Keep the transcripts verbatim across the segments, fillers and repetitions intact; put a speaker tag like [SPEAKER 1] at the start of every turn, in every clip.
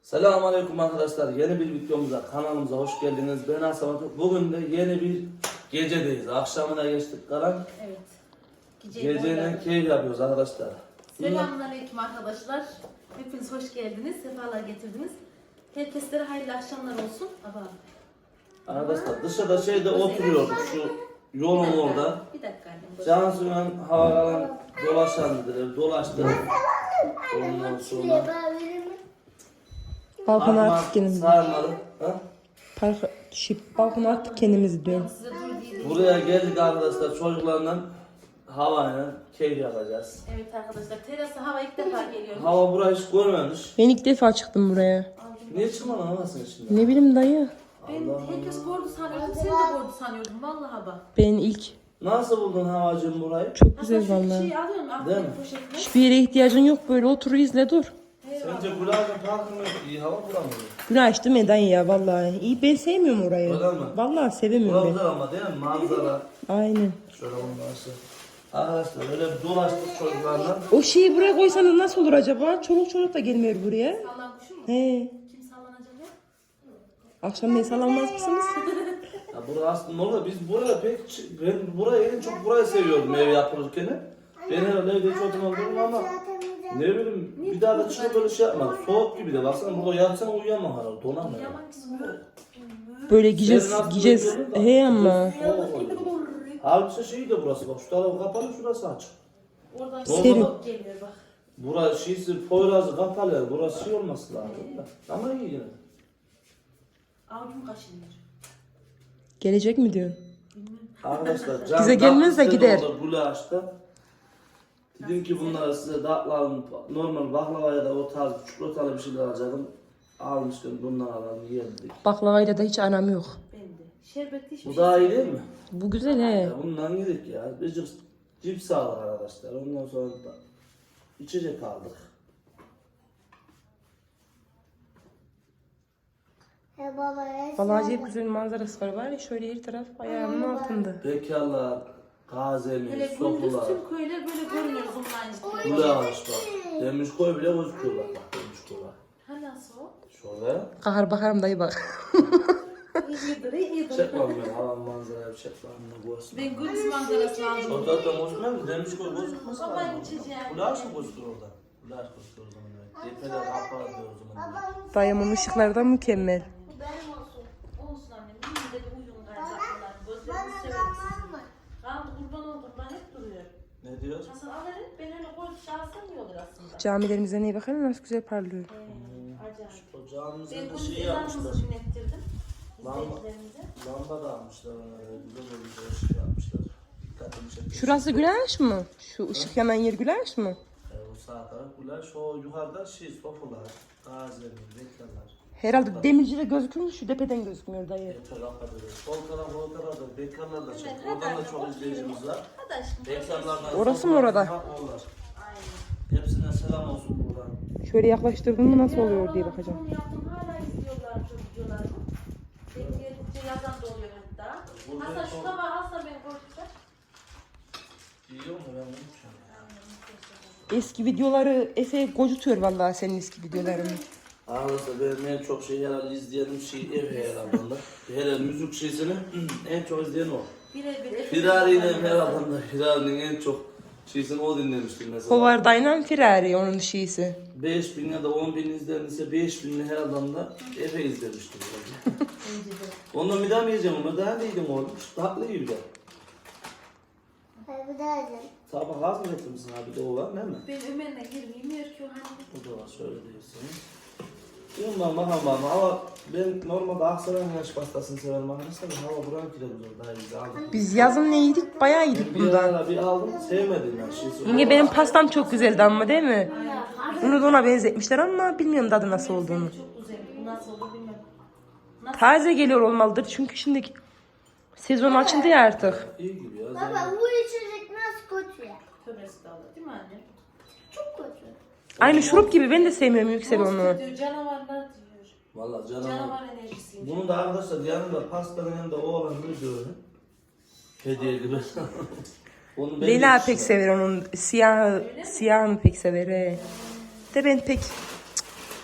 [SPEAKER 1] Selamünaleyküm arkadaşlar. Yeni bir videomuza, kanalımıza hoş geldiniz. Ben Hasan. Bugün de yeni bir gecedeyiz. Akşamına geçtik kalan.
[SPEAKER 2] Evet. Geceyi
[SPEAKER 1] Geceyle keyif yapıyoruz arkadaşlar.
[SPEAKER 2] Selamünaleyküm arkadaşlar. Hepiniz hoş geldiniz. Sefalar getirdiniz. Herkeslere hayırlı akşamlar olsun. Aba.
[SPEAKER 1] Arkadaşlar dışarıda şeyde oturuyorduk şu yolun orada.
[SPEAKER 2] Bir dakika annem.
[SPEAKER 1] Cansu'yla havalan dolaşandır, dolaştık. Ondan sonra
[SPEAKER 3] Balkona
[SPEAKER 1] Sarma-
[SPEAKER 3] attık kendimizi.
[SPEAKER 1] sarmalı. Ha?
[SPEAKER 3] Park, şip, balkona attık kendimizi diyorum.
[SPEAKER 2] Size dur diye.
[SPEAKER 1] Buraya geldik arkadaşlar, çocuklarla havayla keyif yapacağız.
[SPEAKER 2] Evet arkadaşlar. Terasa hava ilk defa geliyor.
[SPEAKER 1] Hava burayı hiç görmemiş.
[SPEAKER 3] Ben ilk defa çıktım buraya.
[SPEAKER 1] Niye çıkmadın havasın şimdi?
[SPEAKER 3] Ne bileyim dayı.
[SPEAKER 2] Ben herkes gördü sanıyordum. Sen de gördü sanıyordum. Vallahi bak.
[SPEAKER 3] Ben ilk.
[SPEAKER 1] Nasıl buldun havacığım burayı?
[SPEAKER 3] Çok
[SPEAKER 2] Hasan
[SPEAKER 3] güzel
[SPEAKER 2] şu
[SPEAKER 3] vallahi.
[SPEAKER 2] şeyi alıyorsun.
[SPEAKER 1] Değil mi?
[SPEAKER 2] Aklını poşetine.
[SPEAKER 3] Hiçbir yere ihtiyacın yok, böyle otur izle dur.
[SPEAKER 1] Sence Gülağ'ın parkında iyi hava bulamıyor.
[SPEAKER 3] Güneş değil mi dayı ya vallahi. İyi, ben sevmiyorum orayı.
[SPEAKER 1] Öyle mi?
[SPEAKER 3] Vallahi sevemiyorum
[SPEAKER 1] Burası
[SPEAKER 3] ben.
[SPEAKER 1] güzel ama değil mi? Manzara.
[SPEAKER 3] Aynen.
[SPEAKER 1] Şöyle olması. Arkadaşlar öyle bir dolaştık çocuklarla.
[SPEAKER 3] O şeyi buraya koysanız nasıl olur acaba? Çoluk çocuk da gelmiyor buraya.
[SPEAKER 2] Sallan kuşu mu?
[SPEAKER 3] He.
[SPEAKER 2] Kim sallanacak ya?
[SPEAKER 3] Akşam ne sallanmaz mısınız?
[SPEAKER 1] Ya burası aslında olur. Biz buraya pek ç- ben burayı en çok burayı seviyordum ev yapılırken. Ben herhalde evde hiç oturmadım ama ne bileyim bir daha da çıkıp böyle şey yapmadım. Soğuk gibi de baksana burada yatsana uyuyamam herhalde donamıyor.
[SPEAKER 2] Yaman kısmı.
[SPEAKER 3] Böyle gideceğiz,
[SPEAKER 1] Senin aklına
[SPEAKER 3] gideceğiz.
[SPEAKER 1] geliyor da.
[SPEAKER 3] He ama.
[SPEAKER 1] Soğuk oluyor. Halbuki şey de burası bak şu tarafı kapalı şurası açık.
[SPEAKER 2] Oradan
[SPEAKER 3] Serin.
[SPEAKER 2] soğuk geliyor bak.
[SPEAKER 1] Burası şeysi Poyraz'ı kapalı yani burası şey olması lazım da. Ama iyi yine.
[SPEAKER 2] Avucum kaşınıyor.
[SPEAKER 3] Gelecek mi diyorsun?
[SPEAKER 1] Arkadaşlar can
[SPEAKER 3] Bize gelmez de gider.
[SPEAKER 1] Gulaş'ta. Dedim ki bunlara size tatlı normal baklavaya da o tarz çikolatalı bir şeyler alacaktım. Almışken bundan alalım yedik.
[SPEAKER 3] Baklavayla da hiç anam yok.
[SPEAKER 2] Ben de. Şerbetli hiçbir
[SPEAKER 1] Bu
[SPEAKER 2] şey
[SPEAKER 1] daha iyi değil mi?
[SPEAKER 3] Bu güzel he.
[SPEAKER 1] Ya bundan yedik ya. Bir cips, cips aldık arkadaşlar. Ondan sonra da içecek aldık.
[SPEAKER 3] Vallahi hep güzel manzarası var. Var ya şöyle her taraf ayağımın altında.
[SPEAKER 1] Bekarlar,
[SPEAKER 2] Hele
[SPEAKER 1] gazeli,
[SPEAKER 2] gündüz
[SPEAKER 1] sokular.
[SPEAKER 2] tüm köyler böyle görünüyor zımlayınca.
[SPEAKER 1] Gulaş bak. Demiş koy bile gözüküyor bak. Bak demiş koy bak.
[SPEAKER 2] Ha nasıl o?
[SPEAKER 1] Şöyle.
[SPEAKER 3] Kahar bakarım dayı bak.
[SPEAKER 2] İyidir, iyidir.
[SPEAKER 1] Çekmem ben havan manzarayı çekmem ne görsün.
[SPEAKER 2] Ben gündüz manzarasını aldım.
[SPEAKER 1] O zaten gözükmez mi? Demiş koy gözükmez.
[SPEAKER 2] Baba içeceğim.
[SPEAKER 1] Gulaş mı gözüküyor orada? Gulaş gözüküyor o zaman. Evet. Tepeler kapalı diyor o zaman.
[SPEAKER 3] Dayımın ışıkları da mükemmel.
[SPEAKER 2] Benim olsun. Olsun annem. Yine de bir uyum kaynaklılar. Gözlerimi severiz. Kaldı kurban ol kurban hep duruyor.
[SPEAKER 1] Ne diyor?
[SPEAKER 2] Hasan al hele. Ben öyle koy şahsen iyi olur aslında.
[SPEAKER 3] Camilerimize neye bakalım nasıl güzel parlıyor.
[SPEAKER 2] Ee, acayip.
[SPEAKER 1] O
[SPEAKER 2] Ben
[SPEAKER 1] camimizde de
[SPEAKER 2] gündüz
[SPEAKER 1] şey yapmışlar.
[SPEAKER 2] ezanımızı dinlettirdim.
[SPEAKER 1] Lamba,
[SPEAKER 2] İzleyicilerimize.
[SPEAKER 1] lamba da almışlar ona. Güzel olmuş. O şey yapmışlar. Dikkatimi çekti.
[SPEAKER 3] Şurası güleş mi? Şu ışık yanan yer güleş mi?
[SPEAKER 1] E, o sağ taraf gulaş. O yukarıda şey sofular. Gazeler, beklerler.
[SPEAKER 3] Herhalde demircide gözüküyor, şu tepeden gözükmüyor dayı.
[SPEAKER 1] Yeter kapatıyoruz. Sol taraf o tarafta bekarlar da çek. Oradan da çok izleyicimiz var.
[SPEAKER 2] Hadi aşkım.
[SPEAKER 1] Bekarlardan
[SPEAKER 3] Orası
[SPEAKER 1] sonra
[SPEAKER 3] mı orada?
[SPEAKER 1] ha, oğlar.
[SPEAKER 2] Aynen.
[SPEAKER 1] Hepsine selam olsun buradan.
[SPEAKER 3] Şöyle yaklaştırdın mı nasıl oluyor diye bakacağım.
[SPEAKER 2] Onu yaptım hala izliyorlar çocuklarımı. Ben gelince yazan da oluyor hatta. Hasan şu tabağı alsa beni koyduklar.
[SPEAKER 1] Yiyor mu ben bunu düşünüyorum.
[SPEAKER 3] Eski videoları Efe gocutuyor vallahi senin eski videolarını.
[SPEAKER 1] Arkadaşlar benim en çok şey herhalde izleyenim şey ev herhalde. Hele müzik şeysini en çok izleyen o.
[SPEAKER 2] Birebir.
[SPEAKER 1] Firari'yle herhalde Firari'nin en çok şeysini o dinlemiştim mesela.
[SPEAKER 3] Hovardayla Ferrari onun şeysi.
[SPEAKER 1] beş bin ya da on bin izlenirse beş binli herhalde da Efe izlemiştim. Ondan bir daha mı yiyeceğim ama daha neydim oğlum? Tatlı gibi de. Sabah az mı getirmişsin abi de o var değil mi?
[SPEAKER 2] Ben Ömer'le girmeyeyim ki o hani.
[SPEAKER 1] O da var şöyle değilsiniz. Bilmiyorum ben bakalım bakalım ama ben normalde Aksaray'ın yaş pastasını severim arkadaşlar. Hava buranın kilo güzel daha güzel aldım.
[SPEAKER 3] Biz yazın ne yedik? Bayağı yedik
[SPEAKER 1] Ben bir
[SPEAKER 3] bundan.
[SPEAKER 1] ara bir aldım sevmedim ben şeysi.
[SPEAKER 3] Yenge benim pastam çok güzeldi ama değil mi? Bunu da ona benzetmişler ama bilmiyorum tadı nasıl olduğunu.
[SPEAKER 2] Çok güzel. Bu nasıl olur bilmem. Nasıl?
[SPEAKER 3] Taze geliyor olmalıdır çünkü şimdi sezon açıldı ya artık.
[SPEAKER 1] İyi gibi ya.
[SPEAKER 4] Baba bu içecek nasıl kötü ya?
[SPEAKER 2] Tövbe estağfurullah değil mi anne?
[SPEAKER 4] Çok kötü.
[SPEAKER 3] Aynı şurup gibi ben de sevmiyorum Yüksel onu.
[SPEAKER 2] Monster diyor, canavarlar diyor.
[SPEAKER 1] Valla canavar.
[SPEAKER 2] Canavar enerjisiymiş.
[SPEAKER 1] Bunu da arkadaşlar yanında pastanın yanında oğlan bir öyle. Hediye gibi. Onu ben
[SPEAKER 3] Leyla
[SPEAKER 1] yetiştirdim.
[SPEAKER 3] pek sever onun siyah siyahını pek sever. He. De ben pek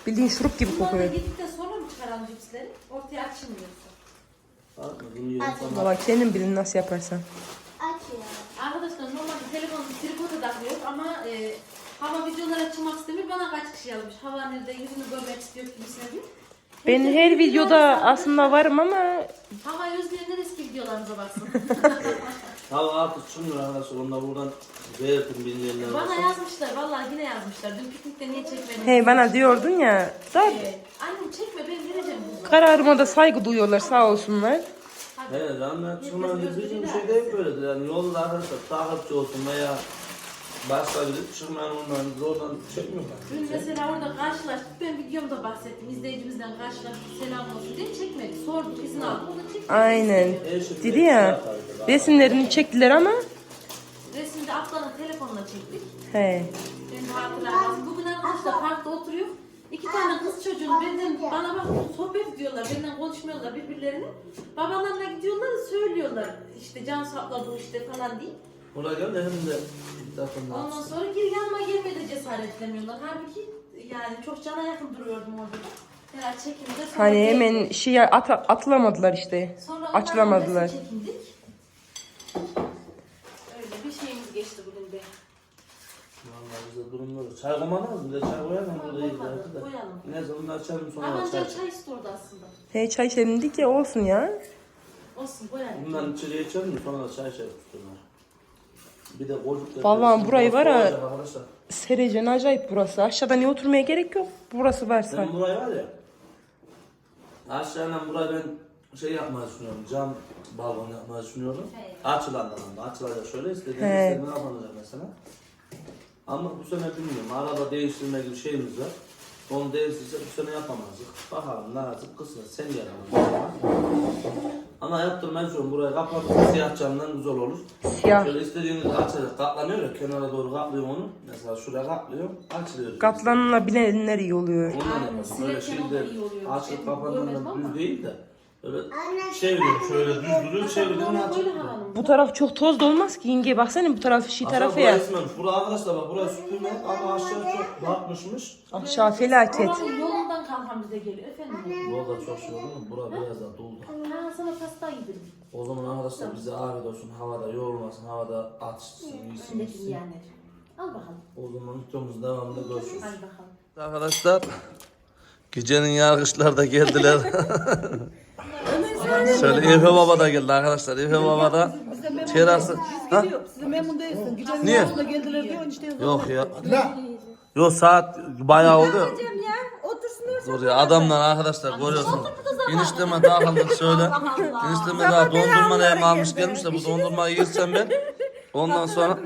[SPEAKER 3] Bildiğin şurup gibi
[SPEAKER 2] Bunları
[SPEAKER 3] kokuyor.
[SPEAKER 2] yedikten sonra mı çıkaralım cipsleri? Ortaya açılmıyorsa.
[SPEAKER 1] Bak bunu yiyelim sonra.
[SPEAKER 3] Valla kendin bilin nasıl yaparsan.
[SPEAKER 4] Aç ya.
[SPEAKER 2] Arkadaşlar normalde telefonu tripota takıyor ama e, hava videolara çıkmak istemiyor. Bana kaç kişi yazmış. Hava nerede yüzünü görmek istiyor gibisine diyor.
[SPEAKER 3] Ben
[SPEAKER 2] Herkes
[SPEAKER 3] her
[SPEAKER 2] videoları
[SPEAKER 3] videoda
[SPEAKER 2] sallıyor.
[SPEAKER 3] aslında varım ama
[SPEAKER 2] Hava özleyenler eski videolarımıza baksın.
[SPEAKER 1] Hava artık çıkmıyor arkadaşlar. Onlar buradan verdim bilmeyenler
[SPEAKER 2] Bana
[SPEAKER 1] varsa.
[SPEAKER 2] yazmışlar. Vallahi yine yazmışlar. Dün piknikte niye çekmedin?
[SPEAKER 3] hey bana diyordun ya da
[SPEAKER 2] Ee, annem çekme ben vereceğim bunu.
[SPEAKER 3] kararıma da saygı duyuyorlar sağ olsunlar.
[SPEAKER 1] Evet canlar çıkmıyor. Bizim şey değil böyledir. Yani yolda arkadaşlar takipçi olsun veya başka biri çıkmayan onların zordan çekmiyorlar.
[SPEAKER 2] Dün mesela orada karşılaştık. Ben videomda bahsettim. İzleyicimizden karşılaştık. Selam olsun diye çekmedik. Sorduk izin aldık. O da çekmedi.
[SPEAKER 3] Aynen. Dedi ya resimlerini çektiler ama
[SPEAKER 2] Resimde ablanın telefonla çektik.
[SPEAKER 3] he.
[SPEAKER 2] Ben de hatırlamazdım. Bugün arkadaşlar parkta oturuyor. İki tane kız çocuğun benden bana bak sohbet ediyorlar. Benden konuşmuyorlar birbirlerini. Babalarına gidiyorlar söylüyorlar. İşte can abla bu işte falan diye.
[SPEAKER 1] Buraya gel de hem de zaten
[SPEAKER 2] Ondan sonra geri yanıma gelmeye de cesaretlemiyorlar. Halbuki yani çok cana yakın duruyordum orada. Herhalde çekimde sonra
[SPEAKER 3] Hani
[SPEAKER 2] geldi.
[SPEAKER 3] hemen şeye at atılamadılar işte.
[SPEAKER 2] Sonra onlarla
[SPEAKER 3] Açılamadılar.
[SPEAKER 2] resim çekindik. Öyle bir şeyimiz geçti bugün de.
[SPEAKER 1] Vallahi bize durumları. Çay koymadınız mı? Bir de çay koyalım mı? Burada iyi
[SPEAKER 2] Koymadım,
[SPEAKER 1] giderdi de.
[SPEAKER 2] koyalım.
[SPEAKER 1] Neyse onu açalım sonra
[SPEAKER 2] Ama
[SPEAKER 1] çay.
[SPEAKER 2] önce çay istiyordu aslında.
[SPEAKER 3] He çay içelim dedik ya olsun ya.
[SPEAKER 2] Olsun koyalım.
[SPEAKER 1] Bundan içeriye içelim mi? Sonra da çay şey tutuyorlar. Bir de koltuk
[SPEAKER 3] Vallahi burayı var ya-
[SPEAKER 1] Arkadaşlar.
[SPEAKER 3] Serecen acayip burası. Aşağıda niye oturmaya gerek yok. Burası varsa.
[SPEAKER 1] Ben burayı var ya. Aşağıdan burayı ben şey yapmayı düşünüyorum. Cam balkon yapmayı düşünüyorum.
[SPEAKER 2] Evet.
[SPEAKER 1] Açılandan ama açılacak şöyle istediğim
[SPEAKER 3] He.
[SPEAKER 1] istediğim yapılacak mesela. Ama bu sene bilmiyorum. Araba değiştirme gibi şeyimiz var. Onu değiştirse bu sene yapamazdık. Bakalım nasip kısmet sen yaramazsın. Ama yaptırmayı düşünüyorum. Burayı kapatıp siyah camdan güzel olur.
[SPEAKER 3] Siyah.
[SPEAKER 1] Şöyle istediğiniz açacak katlanıyor ya kenara doğru katlıyor onu. Mesela şuraya katlıyor açılıyor.
[SPEAKER 3] Katlanılabilenler iyi oluyor.
[SPEAKER 1] Ondan
[SPEAKER 2] Aynen,
[SPEAKER 1] yapalım. Böyle
[SPEAKER 2] silerken o da
[SPEAKER 1] şeyde
[SPEAKER 2] iyi oluyor.
[SPEAKER 1] açıp
[SPEAKER 2] Ben
[SPEAKER 1] kapandan
[SPEAKER 2] görmedim ama.
[SPEAKER 1] düz değil de böyle çeviriyorum şöyle düz duruyor çeviriyorum
[SPEAKER 2] Böyle
[SPEAKER 1] açıp.
[SPEAKER 2] böyle havalım.
[SPEAKER 3] Bu taraf çok toz da olmaz ki yenge baksana bu taraf şey tarafı
[SPEAKER 1] Aslında
[SPEAKER 3] ya.
[SPEAKER 1] burası esmemiş. Burası arkadaşlar bak burası süpürme ama aşağı çok batmışmış.
[SPEAKER 3] Aşağı felaket.
[SPEAKER 2] Oranın yolundan kalkan bize geliyor efendim.
[SPEAKER 1] Yolda çok şey oldu mu? Bura biraz daha doldu.
[SPEAKER 2] Ha sana pasta yedim.
[SPEAKER 1] O zaman arkadaşlar bize afiyet olsun. Havada yorulmasın. Havada açsın. Yesin
[SPEAKER 2] Öndeki
[SPEAKER 1] yesin.
[SPEAKER 2] yiyenler. Al bakalım.
[SPEAKER 1] O zaman videomuz devamında görüşürüz.
[SPEAKER 2] Hadi bakalım.
[SPEAKER 1] Arkadaşlar gecenin yargıçlar da geldiler. Şöyle Efe Baba da geldi arkadaşlar. Efe Baba da terası. Ha?
[SPEAKER 5] Size memnun değilsin. Gecenin
[SPEAKER 1] Niye?
[SPEAKER 5] yarısında geldiler diyor işte.
[SPEAKER 1] Yok ya. Yok saat bayağı oldu.
[SPEAKER 5] Ya otursunlar.
[SPEAKER 1] Dur ya adamlar arkadaşlar görüyorsunuz. Enişteme takıldık şöyle. Enişteme daha dondurma neyim almış gelmiş de bu dondurmayı yersem ben. Ondan sonra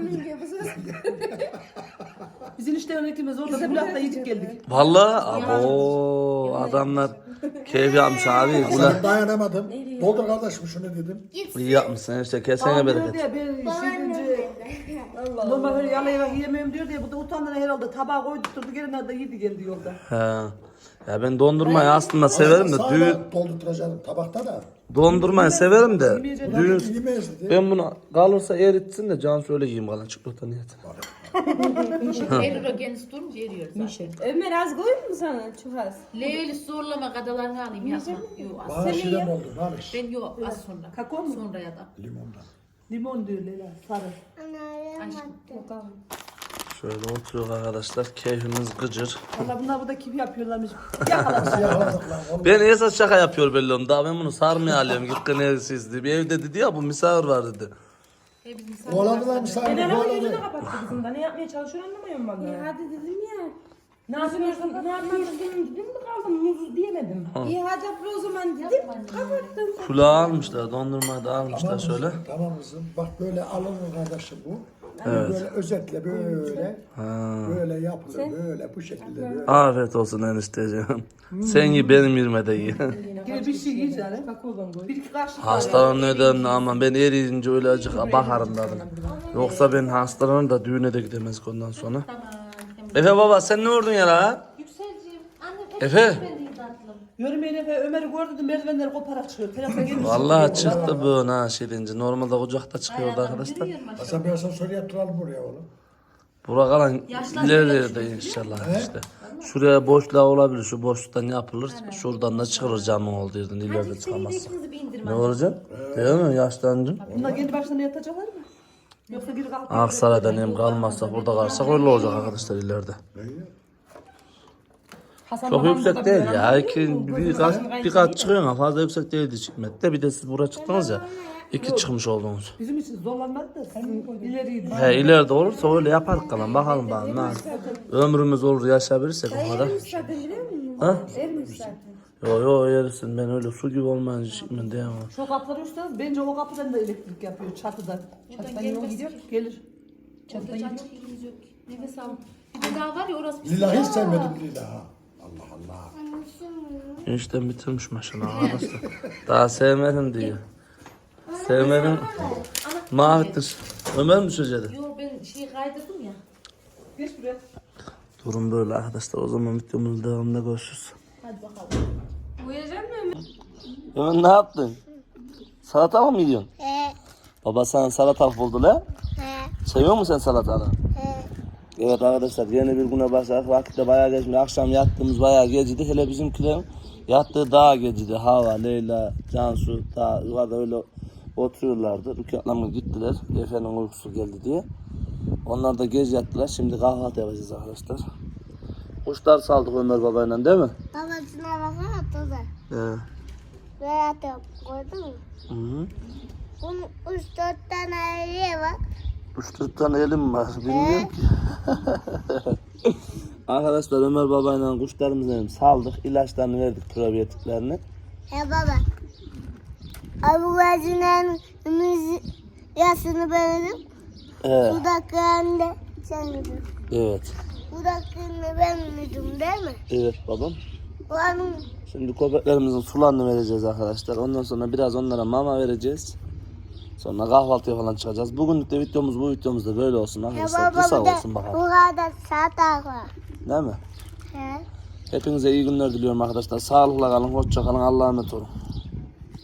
[SPEAKER 5] Biz enişte örneklimiz orada kulakta yiyip geldik.
[SPEAKER 1] vallahi abo adamlar keyif yapmış abi. Ulan
[SPEAKER 6] Ben dayanamadım. Doldur kardeşim şunu dedim.
[SPEAKER 1] iyi yapmışsın işte kesene
[SPEAKER 5] Diyor
[SPEAKER 1] bereket.
[SPEAKER 5] diye ben şey önce normal öyle yalayıp yiyemiyorum diyor diye bu da utandığına herhalde tabağa koydu durdu gelinler de yedi geldi yolda.
[SPEAKER 1] He. Ya ben dondurmayı aslında severim de düğün
[SPEAKER 6] Sağda doldurtacağım tabakta da.
[SPEAKER 1] dondurmayı severim de
[SPEAKER 6] Bunlar
[SPEAKER 1] düğün
[SPEAKER 6] yemeyiz dedi.
[SPEAKER 1] ben bunu kalırsa eritsin de can söyle yiyeyim kalan çikolata niyet.
[SPEAKER 2] elli kendisi durunca eriyor zaten.
[SPEAKER 7] Ömer az koyayım mı sana? Çok az.
[SPEAKER 2] Leyli zorlama kadalarını alayım yapma. Yok az.
[SPEAKER 6] Bana şirin oldu. Ne yapayım?
[SPEAKER 2] Ben yok az sonra.
[SPEAKER 5] Kakao mu?
[SPEAKER 2] Sonra ya da.
[SPEAKER 6] Limondan.
[SPEAKER 5] Limon diyor Leyla. Sarı.
[SPEAKER 1] Şöyle oturuyor arkadaşlar keyfimiz gıcır.
[SPEAKER 5] Valla bunlar burada kim yapıyorlarmış. Yakalamış.
[SPEAKER 6] Yakaladık lan. Oğlum.
[SPEAKER 1] Ben esas şaka yapıyor belli oldu. Daha ben bunu sarmaya alıyorum. Gittin evsiz diye. Bir evde dedi ya bu misafir var dedi.
[SPEAKER 6] Kovaladılar misafir.
[SPEAKER 3] Ben ama
[SPEAKER 6] Kovaladı.
[SPEAKER 3] yüzünü kapattı kızım da ne yapmaya çalışıyor anlamıyorum vallahi.
[SPEAKER 7] Hadi dedim ya.
[SPEAKER 3] Ne yapıyorsun? Ne yapıyorsun? Dedim mi kaldım? Muz diyemedim.
[SPEAKER 7] İyi hadi abla o zaman dedim. Kapattım.
[SPEAKER 1] Kulağı almışlar. Dondurmayı da almışlar
[SPEAKER 6] Tamam
[SPEAKER 1] şöyle.
[SPEAKER 6] kızım, tamam kızım. Bak böyle alınır kardeşim bu. Böyle özetle böyle. Böyle yapılır böyle bu şekilde böyle.
[SPEAKER 1] Afiyet olsun enişteciğim. Sen ye benim yerime de ye.
[SPEAKER 5] Gene bir şey yiyeceğim. Bir iki kaşık.
[SPEAKER 1] Hastalanın nedenini ama ben eriyince öyle acık bakarım dedim. Yoksa ben hastalanır da düğüne de gidemez ondan sonra. Efe baba sen ne vurdun ya la?
[SPEAKER 2] Yükselciğim. Annem hep
[SPEAKER 1] Efe.
[SPEAKER 2] ben de tatlım.
[SPEAKER 5] Yürümeyin Efe Ömer'i gördü de merdivenleri koparak çıkıyor. Telefon gelmiş.
[SPEAKER 1] Vallahi çıktı bu ha şirince. Normalde kucakta çıkıyordu arkadaşlar.
[SPEAKER 2] Yürüyorum aşağı.
[SPEAKER 6] Hasan ben sana soru yaptıralım buraya oğlum.
[SPEAKER 1] Bura kalan
[SPEAKER 2] Yaşlar
[SPEAKER 1] ileride inşallah işte. Şuraya boşluğa olabilir. Şu boşluktan yapılır. Şuradan da çıkarır camın olduğu yerden. İleride
[SPEAKER 2] Hadi seni de
[SPEAKER 1] çıkamaz.
[SPEAKER 2] ikinizi bir indirme.
[SPEAKER 1] Ne olacak? Değil mi? Yaşlandın.
[SPEAKER 5] Bunlar kendi başlarına yatacaklar mı? Yoksa biri kalkıp
[SPEAKER 1] Aksaray'dan hem kalmazsak burada kalırsak öyle olacak arkadaşlar ileride.
[SPEAKER 5] Hasan
[SPEAKER 1] Çok
[SPEAKER 5] babam
[SPEAKER 1] yüksek
[SPEAKER 5] burada
[SPEAKER 1] değil
[SPEAKER 5] bir
[SPEAKER 1] ya.
[SPEAKER 5] ara-
[SPEAKER 1] İki, bir kat, bir kat çıkıyor ama fazla yüksek değildi çıkmette. Bir de siz buraya çıktınız ya. İki çıkmış oldunuz.
[SPEAKER 5] Bizim için zorlanmadı da sizin ileriydi.
[SPEAKER 1] He ileride olursa öyle yaparız kalan. Bakalım bakalım. nasıl. Ömrümüz olur yaşayabilirsek o kadar.
[SPEAKER 7] Erimiş zaten biliyor musun?
[SPEAKER 1] Ha?
[SPEAKER 7] Erimiş zaten.
[SPEAKER 1] Yo yo yersin ben öyle su gibi olmayınca çıkmam diyemem.
[SPEAKER 5] Şu kapıları üstten bence o kapıdan da elektrik yapıyor çatıdan. Çatıdan yol gidiyor gelir. Çatıdan gidiyor.
[SPEAKER 2] Can çekilimiz yok. Nefes al. Bir de daha var ya orası bir
[SPEAKER 6] Lila hiç sevmedim Lila. Allah Allah.
[SPEAKER 1] Enişten bitirmiş maşallah arkadaşlar. Daha sevmedim diyor. Sevmedim. Mahvettir. Ömer mi düşecekti?
[SPEAKER 2] Yo ben şeyi kaydırdım ya.
[SPEAKER 5] Geç buraya.
[SPEAKER 1] Durum böyle arkadaşlar. O zaman videomuzun devamında görüşürüz.
[SPEAKER 2] Hadi bakalım.
[SPEAKER 7] Uyuyacak mı?
[SPEAKER 1] Ömer ne yaptın? Salata mı yiyorsun?
[SPEAKER 4] He.
[SPEAKER 1] Baba sana salatalık buldu la.
[SPEAKER 4] He.
[SPEAKER 1] Seviyor musun sen salatalığı?
[SPEAKER 4] He.
[SPEAKER 1] Evet arkadaşlar yeni bir güne başladık. Vakitte bayağı geçmiş. Akşam yattığımız bayağı geciydi. Hele bizimkilerin yattığı daha geciydi. Hava, Leyla, Cansu daha yukarıda öyle oturuyorlardı. Rükatlarına gittiler. Efe'nin uykusu geldi diye. Onlar da gece yattılar. Şimdi kahvaltı yapacağız arkadaşlar. Kuşlar saldık Ömer babayla değil mi?
[SPEAKER 4] Babasına baksana tuza.
[SPEAKER 1] He.
[SPEAKER 4] Veya da koydun mu?
[SPEAKER 1] Hı -hı.
[SPEAKER 4] Bunun üç dört tane eriği var.
[SPEAKER 1] Üç dört tane elim var. Bilmiyorum ki. Arkadaşlar Ömer babayla kuşlarımızı saldık. İlaçlarını verdik probiyotiklerini.
[SPEAKER 4] He baba. Abu Gazi'nin ümüz yasını beğendim.
[SPEAKER 1] Evet.
[SPEAKER 4] Dudaklarını da sen yedin.
[SPEAKER 1] Evet.
[SPEAKER 4] Dudaklarını ben yedim değil mi?
[SPEAKER 1] Evet babam.
[SPEAKER 4] Onun
[SPEAKER 1] Şimdi köpeklerimizin sularını vereceğiz arkadaşlar. Ondan sonra biraz onlara mama vereceğiz. Sonra kahvaltıya falan çıkacağız. Bugünlük de videomuz bu videomuz da böyle olsun
[SPEAKER 4] he
[SPEAKER 1] arkadaşlar.
[SPEAKER 4] baba
[SPEAKER 1] Kısa
[SPEAKER 4] bu da
[SPEAKER 1] olsun
[SPEAKER 4] bu
[SPEAKER 1] bakalım.
[SPEAKER 4] kadar saat var.
[SPEAKER 1] Değil mi?
[SPEAKER 4] He.
[SPEAKER 1] Hepinize iyi günler diliyorum arkadaşlar. Sağlıkla kalın, hoşça kalın. Allah'a emanet olun.